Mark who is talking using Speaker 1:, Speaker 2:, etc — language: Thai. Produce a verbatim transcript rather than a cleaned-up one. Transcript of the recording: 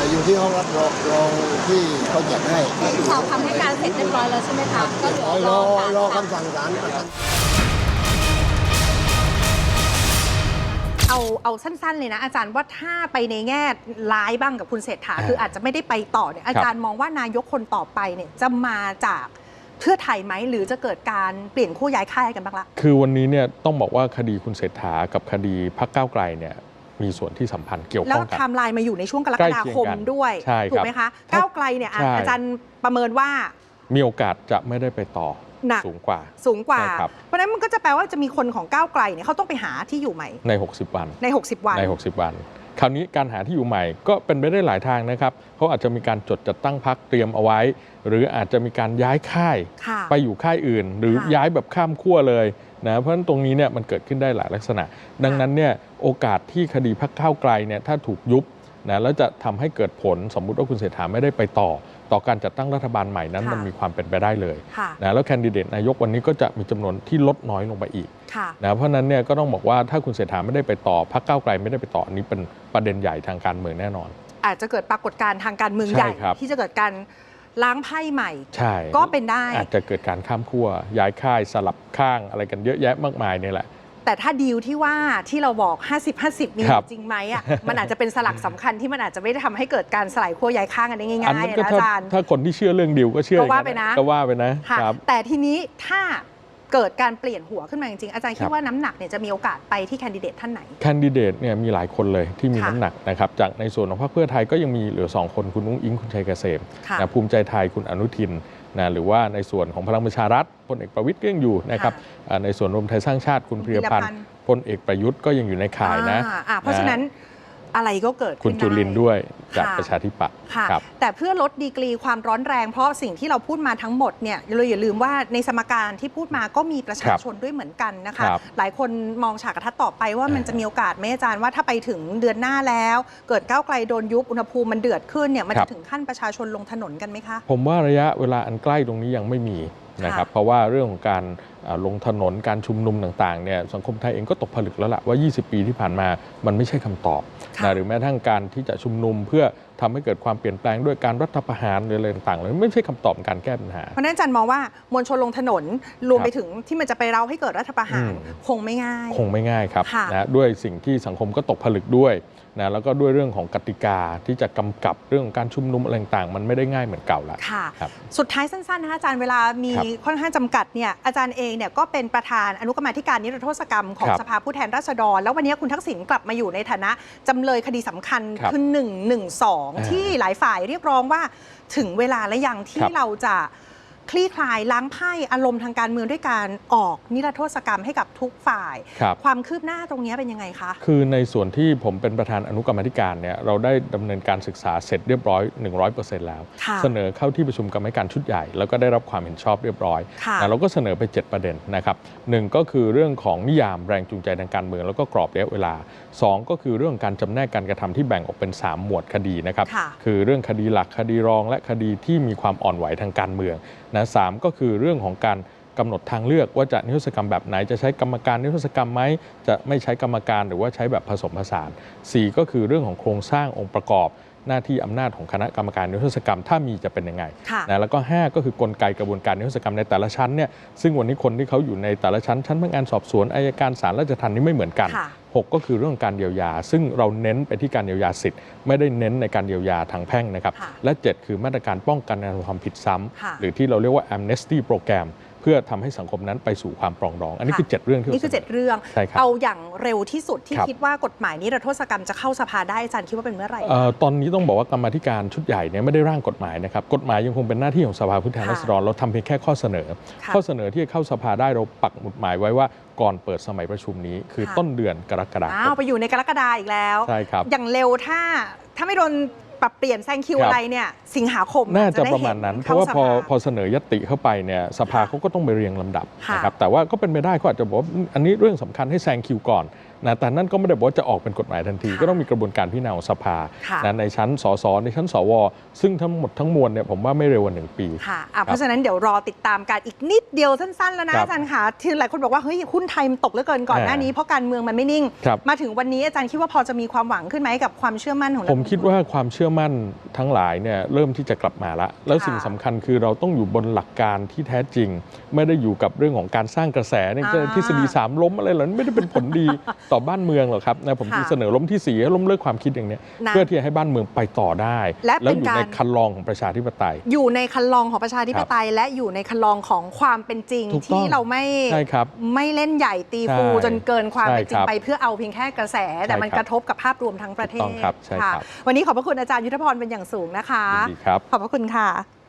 Speaker 1: อยู่ที่ห้องรับรองรองที่เขาจัดให้
Speaker 2: สอบคำให้การเสร็จเรียบร้อยแล้วใช่ไหมคะก็เหลือ
Speaker 1: รอ
Speaker 2: รอ
Speaker 1: รอคำสั่งศาล
Speaker 3: เอาเอาสั้นๆเลยนะอาจารย์ว่าถ้าไปในแง่ร้ายบ้างกับคุณเศรษฐาคืออาจจะไม่ได้ไปต่อเนี่ยอาจารย์มองว่านายกคนต่อไปเนี่ยจะมาจากเพื่อไทยไหมหรือจะเกิดการเปลี่ยนคู่ย้ายค่ายกันบ้างละ
Speaker 4: คือวันนี้เนี่ยต้องบอกว่าคดีคุณเศรษฐากับคดีพรรคก้าวไกลเนี่ยมีส่วนที่สัมพันธ์เกี่ยวข้องกัน
Speaker 3: แล้วไทม์ไลน์มาอยู่ในช่วงกรกฎาคมด้วยถูกไหมคะก้าวไกลเนี่ยอาจารย์ประเมินว่า
Speaker 4: มีโอกาสจะไม่ได้ไปต่อสูงกว่า
Speaker 3: สูงกว่าเพราะฉะนั้นมันก็จะแปลว่าจะมีคนของก้าวไกลเนี่ยเขาต้องไปหาที่อยู่ใหม่
Speaker 4: ในหกสิบวัน
Speaker 3: ในหกสิบวัน
Speaker 4: ในหกสิบวันคราวนี้การหาที่อยู่ใหม่ก็เป็นไปได้หลายทางนะครับเขาอาจจะมีการจดจัดตั้งพรรคเตรียมเอาไว้หรืออาจจะมีการย้ายค่ายไปอยู่ค่ายอื่นหรือย้ายแบบข้ามขั้วเลยนะเพราะฉะนั้นตรงนี้เนี่ยมันเกิดขึ้นได้หลายลักษณะดังนั้นเนี่ยโอกาสที่คดีพรรคก้าวไกลเนี่ยถ้าถูกยุบนะแล้วจะทำให้เกิดผลสมมุติว่าคุณเศรษฐาไม่ได้ไปต่อต่อการจัดตั้งรัฐบาลใหม่นั้นมันมีความเป็นไปได้เลยนะแล้วแคนดิเดตนายกวันนี้ก็จะมีจำนวนที่ลดน้อยลงไปอีกนะเพราะนั้นเนี่ยก็ต้องบอกว่าถ้าคุณเศรษฐาไม่ได้ไปต่อพรรคก้าวไกลไม่ได้ไปต่ออันนี้เป็นประเด็นใหญ่ทางการเมืองแน่นอน
Speaker 3: อาจจะเกิดปรากฏการณ์ทางการเมืองใหญ่ที่จะเกิดการล้างไพ่ใหม่ก็เป็นได้
Speaker 4: อาจจะเกิดการข้ามขั้วย้ายค่ายสลับข้างอะไรกันเยอะแยะมากมายนี่แหละ
Speaker 3: แต่ถ้าดีลที่ว่าที่เราบอก ห้าสิบ ห้าสิบ มีจริงไหมอ่ะ มันอาจจะเป็นสลักสำคัญที่มันอาจจะไม่ได้ทำให้เกิดการสลายขั้วย้ายข้างกันได้ง่ายๆนะอาจารย์
Speaker 4: ถ้าคนที่เชื่อเรื่องดีลก็เชื่อ
Speaker 3: ก็ว่าไปนะ
Speaker 4: ก็ว่าไปนะ
Speaker 3: แต่ทีนี้ถ้าเกิดการเปลี่ยนหัวขึ้นมาจริงๆอาจารย์คิดว่าน้ำหนักเนี่ยจะมีโอกาสไปที่แคนดิเดตท่านไหน
Speaker 4: แคนดิเดตเนี่ยมีหลายคนเลยที่มีน้ำหนักนะครับจากในส่วนของพรรคเพื่อไทยก็ยังมีเหลือสองคนคุณอุ้งอิงคุณชัยเกษมนะภูมิใจไทยคุณอนุทินนะหรือว่าในส่วนของพลังประชารัฐพลเอกประวิตรก็ยังอยู่นะครับในส่วนรวมไทยสร้างชาติคุณพีรพันธ์พลเอกประยุทธ์ก็ยังอยู่ในข่ายนะ
Speaker 3: เพราะฉะนั้นอะไรก็เกิด
Speaker 4: คุณจุลินด้วยจากประชาธิปัตย์
Speaker 3: แต่เพื่อลดดีกรีความร้อนแรงเพราะสิ่งที่เราพูดมาทั้งหมดเนี่ยเราอย่าลืมว่าในสมการที่พูดมาก็มีประชาชนด้วยเหมือนกันนะคะหลายคนมองฉากกระทัดต่อไปว่ามันจะมีโอกาสไหมอาจารย์ว่าถ้าไปถึงเดือนหน้าแล้วเกิดก้าวไกลโดนยุบอุณหภูมิมันเดือดขึ้นเนี่ยมันจะถึงขั้นประชาชนลงถนนกันไหมคะ
Speaker 4: ผมว่าระยะเวลาอันใกล้ตรงนี้ยังไม่มีนะครับเพราะว่าเรื่องของการลงถนนการชุมนุมต่างๆเนี่ยสังคมไทยเองก็ตกผลึกแล้วล่ะว่ายี่สิบปีที่ผ่านมามันไม่ใช่คำตอบนะหรือแม้ทั้งการที่จะชุมนุมเพื่อทำให้เกิดความเปลี่ยนแปลงด้วยการรัฐประหารหรืออะไรต่างๆเลยไม่ใช่คำตอบการแก้ปัญหา
Speaker 3: เพราะนั้นอาจารย์มองว่ามวลชนลงถนนรวมไปถึงที่มันจะไปเร้าให้เกิดรัฐประหารคงไม่ง่าย
Speaker 4: คงไม่ง่ายครับนะด้วยสิ่งที่สังคมก็ตกผลึกด้วยนะแล้วก็ด้วยเรื่องของกติกาที่จะกำกับเรื่องของการชุมนุมอะไรต่างๆมันไม่ได้ง่ายเหมือนเก่าแล้ว
Speaker 3: ค่ะสุดท้ายสั้นๆนะคะอาจารย์เวลามีค่อนข้างจำกัดเนี่ยอาจารย์เองเนี่ยก็เป็นประธานอนุกรรมาธิการนิรโทษกรรมของสภาผู้แทนราษฎรแล้ววันนี้คุณทักษิณกลับมาอยู่ในฐานะจำเลยคดีสำคัญคือหนึ่งหนึ่งสองที่หลายฝ่ายเรียกร้องว่าถึงเวลาและยังที่เราจะคลี่คลายล้างไพ่อารมณ์ทางการเมืองด้วยการออกนิรโทษกรรมให้กับทุกฝ่ายความคืบหน้าตรงนี้เป็นยังไงคะ
Speaker 4: คือในส่วนที่ผมเป็นประธานอนุกรรมาธิการเนี่ยเราได้ดำเนินการศึกษาเสร็จเรียบร้อย หนึ่งร้อยเปอร์เซ็นต์ แล้วเสนอเข้าที่ประชุมกรรมาธิการชุดใหญ่แล้วก็ได้รับความเห็นชอบเรียบร้อยเราก็เสนอไปเจ็ดประเด็นนะครับหนึ่งก็คือเรื่องของนิยามแรงจูงใจทางการเมืองแล้วก็กรอบระยะเวลาสองก็คือเรื่องการจำแนกการกระทำที่แบ่งออกเป็นสามหมวดคดีนะครับคือเรื่องคดีหลักคดีรองและคดีที่มีความอ่อนไหวทางการเมืองนะสามก็คือเรื่องของการกำหนดทางเลือกว่าจะนิรโทษกรรมแบบไหนจะใช้กรรมการนิรโทษกรรมไหมจะไม่ใช้กรรมการหรือว่าใช้แบบผสมผสานสี่ก็คือเรื่องของโครงสร้างองค์ประกอบหน้าที่อำนาจของคณะกรรมการนิรโทษกรรมถ้ามีจะเป็นยังไงนะแล้วก็ห้าก็คือกลไกกระบวนการนิรโทษกรรมในแต่ละชั้นเนี่ยซึ่งวันนี้คนที่เขาอยู่ในแต่ละชั้นชั้นพนักงานสอบสวนอัยการศาลราชทัณฑ์นี่ไม่เหมือนกันหกก็คือเรื่องการเยียวยาซึ่งเราเน้นไปที่การเยียวยาสิทธิ์ไม่ได้เน้นในการเยียวยาทางแพ่งนะครับและเจ็ดคือมาตรการป้องกันการกระทำความผิดซ้ำหรือที่เราเรียกว่า amnesty program เพื่อทำให้สังคมนั้นไปสู่ความปรองดองอันนี้คือเจ็ดเรื่องที่
Speaker 3: นี่คือเจ็ดเรื่องเอาอย่างเร็วที่สุดที่คิดว่ากฎหมายนิรโทษกรรมจะเข้าสภาได้อาจารย์คิดว่าเป็นเมื่อไหร่
Speaker 4: ตอนนี้ต้องบอกว่ากรรมาธิการชุดใหญ่เนี่ยไม่ได้ร่างกฎหมายนะครับกฎหมายยังคงเป็นหน้าที่ของสภาผู้แทนราษฎรเราทำเพียงแค่ข้อเสนอข้อเสนอที่จะเข้าสภาได้เราปักหมุดหมายไว้ว่าก่อนเปิดสมัยประชุมนี้คือต้นเดือนกรกฎาคม
Speaker 3: อ้าวไปอยู่ในกรกฎาคมอีกแล้ว
Speaker 4: ใช่ครับ
Speaker 3: อย่างเร็วถ้าถ้าไม่โดนปรับเปลี่ยนแซงคิวอะไรเนี่ยสิงหาคม
Speaker 4: น่าจะประมาณนั้นเพราะว่าพอพอเสนอยติเข้าไปเนี่ยสภาเขาก็ต้องไปเรียงลำดับนะครับแต่ว่าก็เป็นไปได้เขาอาจจะบอกว่าอันนี้เรื่องสำคัญให้แซงคิวก่อนนะแต่นั่นก็ไม่ได้บอกว่าจะออกเป็นกฎหมายทันทีก็ต้องมีกระบวนการพิจารณาของสภานะในชั้นสสในชั้นสวซึ่งทั้งหมดทั้งมวลเนี่ยผมว่าไม่เร็วกว่าหนึ่งปี
Speaker 3: ค่ะเพราะฉะนั้นเดี๋ยวรอติดตามการอีกนิดเดียวสั้นๆแล้วนะอาจารย์ค่ะที่หลายคนบอกว่าเฮ้ยหุ้นไทยมันตกเหลือเกินก่อนหน้านี้เพราะการเมืองมันไม่นิ่งมาถึงวันนี้อาจารย์คิดว่าพอจะมีความหวังขึ้นไหมกับความเชื่อมั่นของเรา
Speaker 4: ผมคิดว่าความเชื่อมั่นทั้งหลายเนี่ยเริ่มที่จะกลับมาละแล้วสิ่งสำคัญคือเราต้องอยู่บนหลักการที่แท้จริงไม่ได้อยู่กับเรื่องของการสร้างกระแสในทฤษฎีสามล้มอะไรเหล่านั้นไม่ได้เป็นผลดีต่อบ้านเมืองหรอกครับนะผมที่เสนอล้มที่สี่ให้ล้มเลิกความคิดอย่างนี้เพื่อที่จะให้บ้านเมืองไปต่อได้แล้วอยู่ในคันลองของประชาธิปไตย
Speaker 3: อยู่ในคันลองของประชาธิปไตยและอยู่ในคันลองของความเป็นจริงที่เราไม่ไม่เล่นใหญ่ตีฟูจนเกินความเป็นจริงไปเพื่อเอาเพียงแค่กระแสแต่มันกระทบกับภาพรวมทั้งประเทศ
Speaker 4: ค่ะ
Speaker 3: วันนี้ขอบพระคุณอาจารย์ยุทธพรเป็นอย่างสูงนะคะขอบพระคุณค่ะ